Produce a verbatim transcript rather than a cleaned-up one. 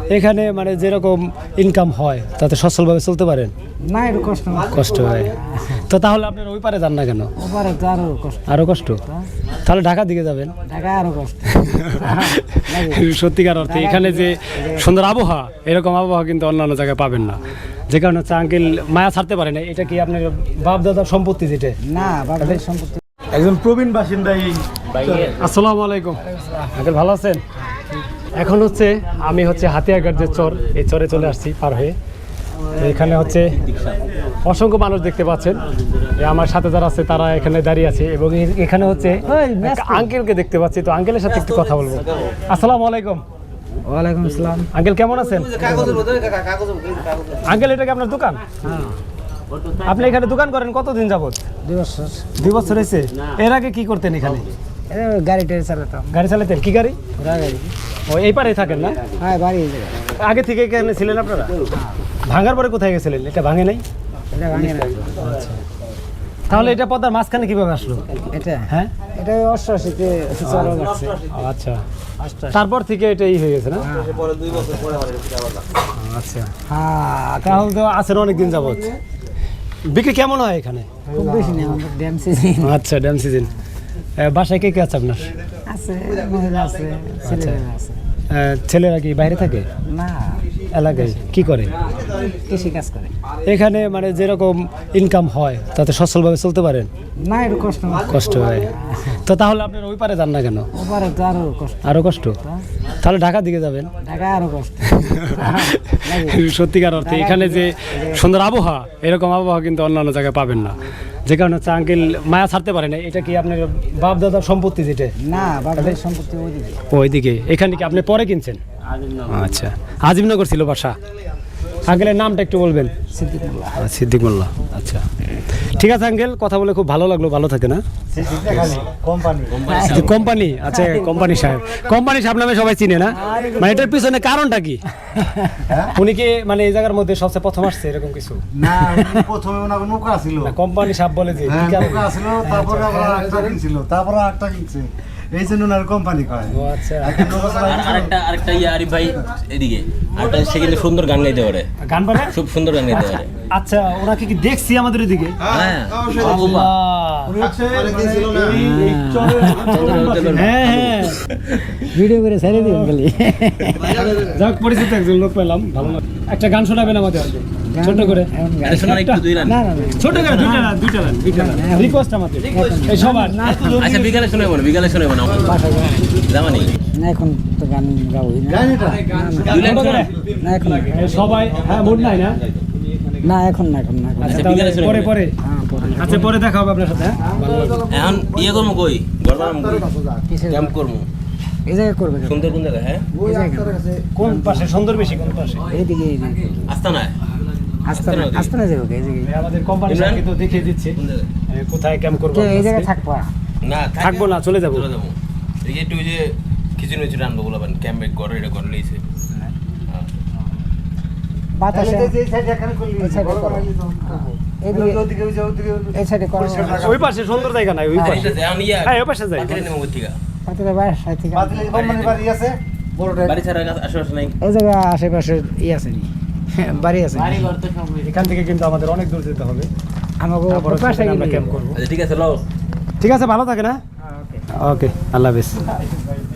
এখানে মানে যেরকম ইনকাম হয় তাতে সচ্ছলভাবে চলতে পারেন? না, একটু কষ্ট কষ্ট হয়। তো তাহলে আপনারা ওই পারে যান না কেন? ওপারে তো আরো কষ্ট। আরো কষ্ট? তাহলে ঢাকার দিকে যাবেন। ঢাকা আরো কষ্ট। সত্যিকার অর্থে এখানে যে সুন্দর আবহাওয়া, এরকম আবহাওয়া কিন্তু অন্যান্য জায়গায় পাবেন না। যে কারণে হচ্ছে আঙ্কেল মায়া ছাড়তে পারে না। এটা কি আপনার বাপ দাদার সম্পত্তি? যেটা না, বাবার সম্পত্তি। একজন প্রবীণ বাসিন্দাই। আসসালামু আলাইকুম আঙ্কেল, ভালো আছেন? এখন হচ্ছে আমি হচ্ছে হাতিয়াঘাট যে চর, এই চরে চলে আসছি পার হয়ে। এখানে হচ্ছে অসংখ্য মানুষ দেখতে পাচ্ছেন। আমার সাথে যারা আছে তারা এখানে দাঁড়িয়ে আছে এবং এখানে হচ্ছে আঙ্কেলকে দেখতে পাচ্ছি। তো আঙ্কেলের সাথে একটু কথা বলবো। আসসালামু আলাইকুম। ওয়ালাইকুম আসসালাম। আঙ্কেল কেমন আছেন? আঙ্কেল এটা কি আপনার দোকান? আপনি এখানে দোকান করেন কতদিন যাবত? দুই বছর। দুই বছর হয়েছে। এর আগে কি করতেন এখানে? গাড়ি টাড়ি চালাতাম। গাড়ি চালাতেন? কি গাড়ি? গাড়ি। ও এই পারে থাকেন না? হ্যাঁ, বাড়ি। আগে থেকে এখানে ছিলেন আপনারা? ভাঙার পরে কোথায় গেছিলেন? এটা ভাঙে নাই? এটা ভাঙে না। আচ্ছা, তাহলে এটা পদ্মার মাঝখানে কিভাবে আসলো? এটা হ্যাঁ, এটা অষ্টআশিতে চলা যাচ্ছে। আচ্ছা, তারপর থেকে এটাই হয়ে গেছে না? আচ্ছা, হ্যাঁ, তাহলে তো আছেন অনেকদিন যাবত। বিক্রি কেমন হয় এখানে? খুব বেশি নেই, আমাদের ড্যাম সিজন। আচ্ছা, ড্যাম সিজন। বাসায় কে কে আছে আপনার? আছে, মহিলা আছে, ছেলেরা আছে। ছেলেরা কি বাইরে থাকে? না, এলাকায় কি করে? কৃষি কাজ করে। এখানে মানে যেরকম ইনকাম হয় তাতে সচ্ছলভাবে চলতে পারেন? না, একটু কষ্ট কষ্ট হয়। তো তাহলে আপনারা ওই পারে যান না কেন? ওপারে তো আরো কষ্ট। আরো কষ্ট? তাহলে ঢাকার দিকে যাবেন। ঢাকা আরো কষ্ট। সত্যিকার অর্থে এখানে যে সুন্দর আবহাওয়া, এরকম আবহাওয়া কিন্তু অন্যান্য জায়গায় পাবেন না। যে কারণে হচ্ছে আঙ্কেল মায়া ছাড়তে পারে না। এটা কি আপনার বাপ দাদার সম্পত্তি? যেটা না, বাবার সম্পত্তি ওইদিকে। ওইদিকে। এখানে কি আপনি পরে কিনছেন? আচ্ছা, আজিমনগর ছিল বাসা। আঙ্কেলের নামটা একটু বলবেন? সিদ্দিক মোল্লা। সিদ্দিক মোল্লা। আচ্ছা, ঠিক আছে আঙ্কেল, কথা বলে খুব ভালো লাগলো। ভালো থাকে না? কোম্পানি? আচ্ছা, কোম্পানি সাহেব। কোম্পানি সাহেব নামে সবাই চিনে না? মানে এটার পিছনে কারণটা কি? উনি কি মানে এই জায়গার মধ্যে সবচেয়ে প্রথম আসছে এরকম কিছু? না, প্রথমে ওনার নৌকা ছিল। কোম্পানি সাহেব বলে যে কি কারণে? নৌকা ছিল, তারপরে আবার আরেকটা কিনছিল, তারপরে আরেকটা কিনছে, এই জন্য ওনার কোম্পানি কয়। ও আচ্ছা। আরেকটা আরেকটা ইয়া আরিফ ভাই এদিকে আরেকটা, সে কিন্তু সুন্দর গান গাইতে পারে। গান পারে? খুব সুন্দর গান গাইতে পারে। আচ্ছা, ওনাকে কি দেখছি আমাদের এদিকে? হ্যাঁ, হ্যাঁ হ্যাঁ, ভিডিও করে ছেড়ে দিন খালি। যাক, পরিচিত একজন লোক পেলাম, ভালো লাগলো। একটা গান শোনাবেন আমাদের ছোট করে? আরে শোনান একটু, দুই লাইন। না না না, ছোট করে দুইটা লাইন, দুইটা লাইন, দুইটা লাইন রিকোয়েস্ট আমাদের এই সবার। আচ্ছা, বিকালে শোনাবো না, বিকালে শোনাবো না, জামানি না, এখন তো গান গাবই না। দুই লাইন শোনান। না, এখন এই সবাই। হ্যাঁ, মুড নাই না? না, এখন না, এখন না, এখন না। আচ্ছা, বিকালে তাহলে শোনাবেন। পরে পরে। হ্যাঁ, পরে। আচ্ছা, পরে দেখা হবে আপনার সাথে। হ্যাঁ, ভালো লাগলো। এখন ইয়ে করবো কই, গড়বাম কই, কিসের ক্যাম্প করবো এই জায়গায় করবে কেন? সুন্দর কোন জায়গা? হ্যাঁ, এই জায়গায় কোন পাশে সুন্দর বেশি? কোন পাশে? এইদিকে, এইদিকে। আস্তা না আস্তে না, আস্তে না যাবো, এই জায়গায়। আমাদের কোম্পানি ইমরান? কিন্তু দেখিয়ে দিচ্ছে কোন জায়গা? এ, কোথায় ক্যাম্প করবো। কে এই জায়গায় থাকবা? না, থাকবো না, চলে যাবো। চলে যাবো। এই যে একটু ওই যে খিচুড়ি মিচুড়ি আনবো বলবেন, ক্যাম্পে ঘরে এটা ঘরে লইছে। বাতাসে এই সাইডে করো। এইদিকে, এই সাইডে করো। ওই পাশে সুন্দর জায়গা নাই? ওই পাশে। এখন ইয়া হ্যাঁ, ওই পাশে যাই। পাতিলে নেবো কোথা থেকে? পাতিলে বাইরে সাইড থেকে। কোম্পানির বাড়ি আছে বড়টা। বাড়ি ছাড়া আশেপাশে নাই। এই জায়গা আশেপাশে ই আছে নি, বাড়ি আছে নি। এখান থেকে কিন্তু আমাদের অনেক দূর যেতে হবে। আমাকে তারপরে পাশে সেখানে আমরা গেলে ক্যাম্প করবো। আচ্ছা, ঠিক আছে, লও। ঠিক আছে, ভালো থাকে না? ওকে, আল্লাহ হাফেজ।